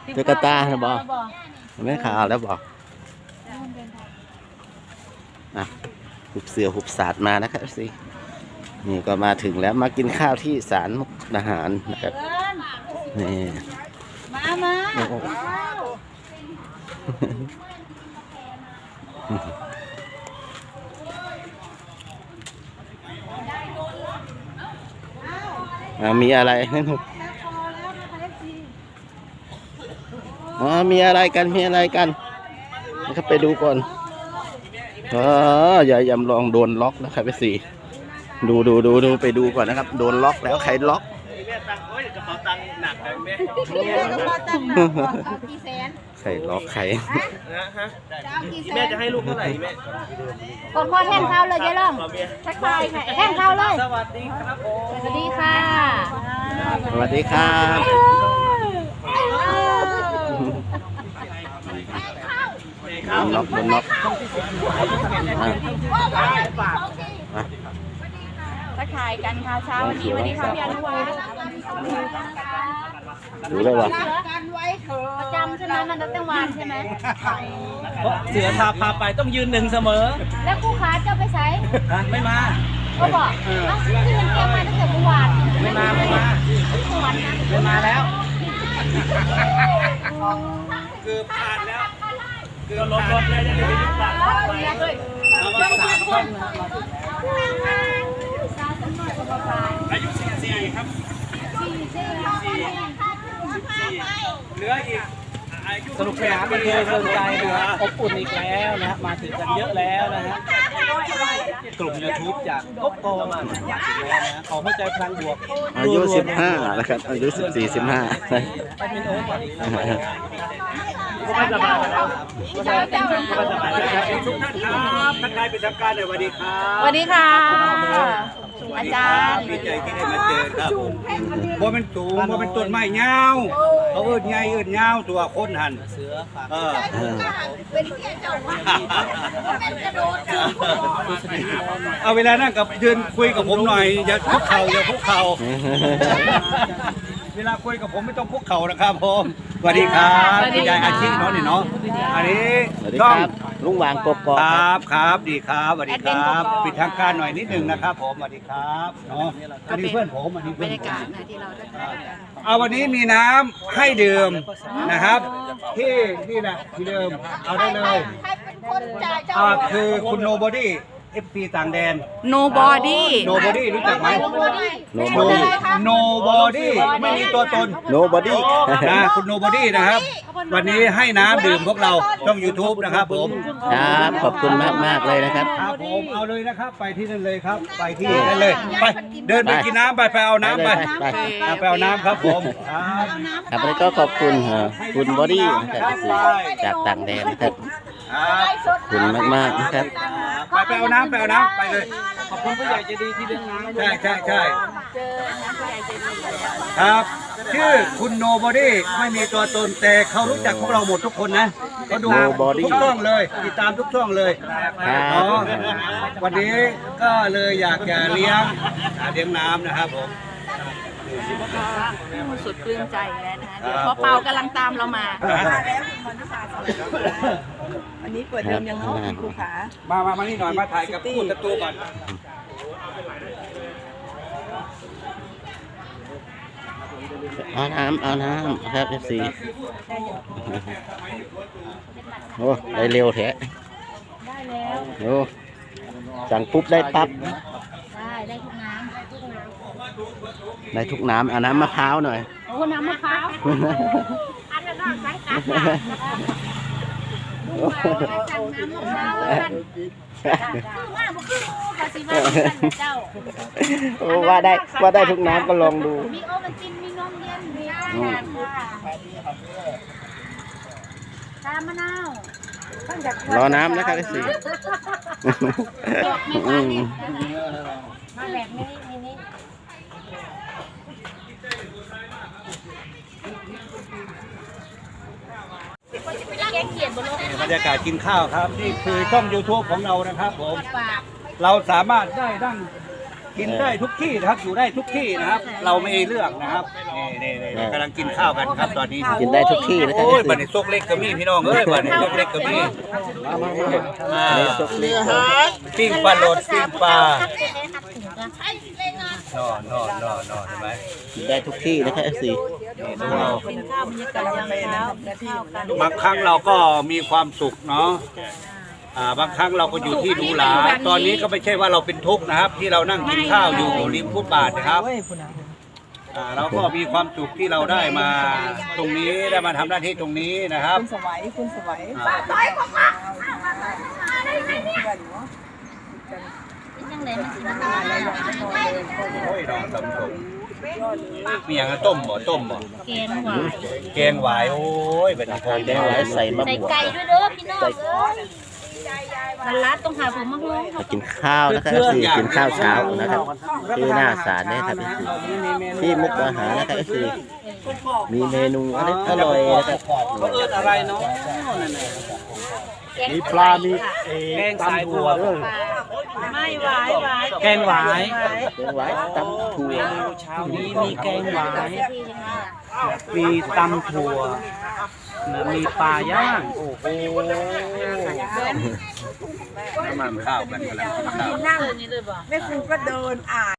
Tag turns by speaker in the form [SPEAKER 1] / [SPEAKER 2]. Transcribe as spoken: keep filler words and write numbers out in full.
[SPEAKER 1] เจอกระตานะบอกไม่ข่าวแล้วบอกอ่ะหุบเสือหุบศาสตร์มานะครับสินี่ก็มาถึงแล้วมากินข้าวที่ศาลมุกดาหารนะครับนี่
[SPEAKER 2] มามา
[SPEAKER 1] อ่ามีอะไรให้หนูอ๋อมีอะไรกันมีอะไรกันนะครับไปดูก่อนอ๋ออย่ายำลองโดนล็อกแล้วครับไปสี่ดูดูดูดูไปดูก่อนนะครับโดนล็อกแล้วใครล็อก
[SPEAKER 3] กระเป๋าตังค์หนักเลยแม่
[SPEAKER 2] กระเป๋าตังค์เอากี่แสน
[SPEAKER 1] ใครล็อกใคร
[SPEAKER 3] นะฮะแม่จะให้ลูกเท่าไหร่แม่
[SPEAKER 2] กดคอแท่งเข้าเลยยายล่องทักทายค่ะแท่งเข้าเลย
[SPEAKER 3] สวัสดีครับผม
[SPEAKER 2] สวัสดีค่ะ
[SPEAKER 1] สวัสดีครับล็อกบนล็อก
[SPEAKER 2] ทักทายกันค่ะเช้าวันนี้วันนี้ค่ะพี่อนุวัฒน์
[SPEAKER 1] ดูเลยวะ
[SPEAKER 2] ประจำใช่ไหมมันตั้งวันใช่ไหม
[SPEAKER 3] เพราะเสือพาพาไปต้องยืนหนึ่งเสมอ
[SPEAKER 2] แล้วคู่ขาเจ้าไปใช้
[SPEAKER 3] ไม่มา
[SPEAKER 2] ก็บอกเอ้าที่มันเตรียมมาตั้งแต่เมื่อวาน
[SPEAKER 3] ไม่มาไม่มาไม่มาแล้วคือผ่านแล้วคือลดลดแล้วจะได้ยุบปากอายุสี่สี่ครับสี่สี่เหลืออีกสนุกสนานบันเทิงเริงใจนะอบอุ่นอีกแล้วนะมาถึงกันเยอะแล้วนะฮะกลุ่ม ยูทูบ จากกบโกมาถึงแล้วนะขอหัวใจพลังบวก
[SPEAKER 1] อายุสิบห้านะครับอายุสิบสี่สิบห้าใช่
[SPEAKER 3] เป็นโอ๊ตก่อนอีกก็จะมาแล้วก็จะมาแล้วทุกท่านครับทักทายเป็นทางการเลยสวัสดีครับ
[SPEAKER 2] สวัสดีค่ะอาจารย์
[SPEAKER 3] ดีใจที่ได้มาเจอครับบ่เป็นสูงบ่เป็นต้นไม้ยาวเขาเอิ้นใหญ่เอิ้นยาวตัวคนหันเสือเออเป็นเจ้าเจ้าเป็นกระโดดเอาเวลานั่งกับยืนคุยกับผมหน่อยอย่าคุกเข่าอย่าคุกเข่าเวลาคุยกับผมไม่ต้องคุกเข่านะครับผมสวัสดีครับคุณยายอาชีพเนาะนี่เนาะอันนี้
[SPEAKER 1] ต้องลุงวางกบก
[SPEAKER 3] บครับครับดีครับสวัสดีครับปิดทางการหน่อยนิดนึงนะครับผมสวัสดีครับเนาะอันนี้เพื่อนผมอันนี้เพื่อนผมเอาวันนี้มีน้ำให้ดื่มนะครับที่นี่นะที่เดิมเอาได้เลย
[SPEAKER 2] ใครเป็นคนจ่ายเจ้า
[SPEAKER 3] คือคุณโนบอดี้เอฟซีต่างแดน
[SPEAKER 2] nobody
[SPEAKER 3] nobody รู้จักไหม
[SPEAKER 1] nobody
[SPEAKER 3] nobody ไม่มีตัวตน
[SPEAKER 1] nobody
[SPEAKER 3] นะคุณ nobody นะครับวันนี้ให้น้ำดื่มพวกเราช่อง ยูทูบ นะครับผม
[SPEAKER 1] ครับขอบคุณมากมากเลยนะครับ
[SPEAKER 3] ครับผมเอาเลยนะครับไปที่นั่นเลยครับไปที่นั่นเลยไปเดินไปกินน้ำไปไปเอาน้ำไปไปเอาน้ำครับผม
[SPEAKER 1] ครับแล้วก็ขอบคุณคุณบอดี้นะครับจากต่างแดนนะครับขอบคุณมากมากนะครับ
[SPEAKER 3] ไปไปเอาน้ำไปเอาน้ำไปเลยขอบคุณผู้ใหญ่ใจดีที่เลี้ยงน้ำใช่ใช่ใช่ครับชื่อคุณโนบอดี้ไม่มีตัวตนแต่เขารู้จักพวกเราหมดทุกคนนะเขาดูทุกช่องเลยติดตามทุกช่องเลยเนาะวันนี้ก็เลยอยากจะเลี้ยงเลี้ยงน้ำนะครับผม
[SPEAKER 2] สุดปลื้มใจแล้วนะเดี๋ยวพอเปากำลังตามเรามาอันนี้เปิดเทอมยังเนาะครูขา
[SPEAKER 3] มามามานี่หน่อยมาถ่ายกับพูดตะตูก่อน
[SPEAKER 1] เอาน้ำเอาน้ำครับเอฟซีโอ้ได้เร็วแท้
[SPEAKER 2] ได้แล้ว
[SPEAKER 1] โอ้สั่งปุ๊บได้ปั๊บ
[SPEAKER 2] ได้ได้ทุกน้ำ
[SPEAKER 1] ได้ทุกน้ำเอาน้ำมะพร้าวหน่อย
[SPEAKER 2] โอ้น้ำมะพร้าวอันนั้นใช้กันสั่งน้ำมะพร้าวกันคือว่าบุคือภาษีมาเจ้า
[SPEAKER 1] โอ้ว่าได้ว่าได้ทุกน้ำก็ลองดู
[SPEAKER 2] มีโอวัลตินมีนมเย็นมีชามะนาว
[SPEAKER 1] รอน้ำนะครับสิ
[SPEAKER 2] มาแบบนี้นี่
[SPEAKER 3] บรรยากาศกินข้าวครับนี่คือช่อง ยูทูบ ของเรานะครับผมเราสามารถได้ดั้งกินได้ทุกที่นะครับอยู่ได้ทุกที่นะครับ เราไม่เลือกนะครับนี่นี่นี่กำลังกินข้าวกันครับตอนนี้
[SPEAKER 1] กินได้ทุกที่นะครับ
[SPEAKER 3] โอ้ยบัดนี้ซกเล็กก็มีพี่น้องเอ้ยบัดนี้ซกเล็กก็มีอ่า
[SPEAKER 1] ในซกเล็กก่อน
[SPEAKER 3] ปิ้งปลาโหลดปิ้งปลานอนนอนนอนนอนเห็นไหม
[SPEAKER 1] กินได้ทุกที่นะครับเอฟซี
[SPEAKER 3] นี่น้องเรา
[SPEAKER 2] กินข้าวบรรยากาศยามเช้ากินข้าวกัน
[SPEAKER 3] บางครั้งเราก็มีความสุขเนาะอ่าบางครั้งเราก็อยู่ที่หรูหราตอนนี้ก็ไม่ใช่ว่าเราเป็นทุกข์นะครับ ที่เรานั่งกินข้าวอยู่ริมฟุตบาทนะครับอ่าเราก็มีความสุขที่เราได้มาตรงนี้ได้มาทำหน้าที่ตรงนี้นะครับ
[SPEAKER 4] คุณสวัยคุณสวัย
[SPEAKER 3] อ่า
[SPEAKER 2] เป็นยังไงมันสิมา
[SPEAKER 3] โอ้ยน้องตำส้มมีอย่างนั้นต้มบ่ต้มบ่
[SPEAKER 2] แกงหวาน
[SPEAKER 3] แกงหวายโอ้ยเป็นพอ
[SPEAKER 1] แดงไว้ใส่มะ
[SPEAKER 2] ใส่
[SPEAKER 1] ม่วง
[SPEAKER 2] ไก่ด้วยเด้อพี่น้องเอ้ยมันรัดต้องหาผมมาหุ้ง
[SPEAKER 1] มากินข้าวนะครับเอฟซีกินข้าวเช้านะครับที่หน้าศาลเนี่ยครับเอฟซีที่มุกดาหารนะครับเอฟซีมีเมนูอะไรอร่อยนะครับ
[SPEAKER 3] เขาเอิ้นอะไรเนาะนั่นน่ะ
[SPEAKER 1] มีปลา มี
[SPEAKER 3] แกงสายบัว
[SPEAKER 2] ไม่หวายหวาย
[SPEAKER 3] แกงหวาย
[SPEAKER 1] แกงหวายตำถั่ว
[SPEAKER 3] เช้านี้มีแกงหวาย มีตำถั่วนะมีปลาย่าง โอ้โหน้ำมันข้าวกันกำลังกินข้าว
[SPEAKER 4] นั่งแม่ครูก็เดินอ่าน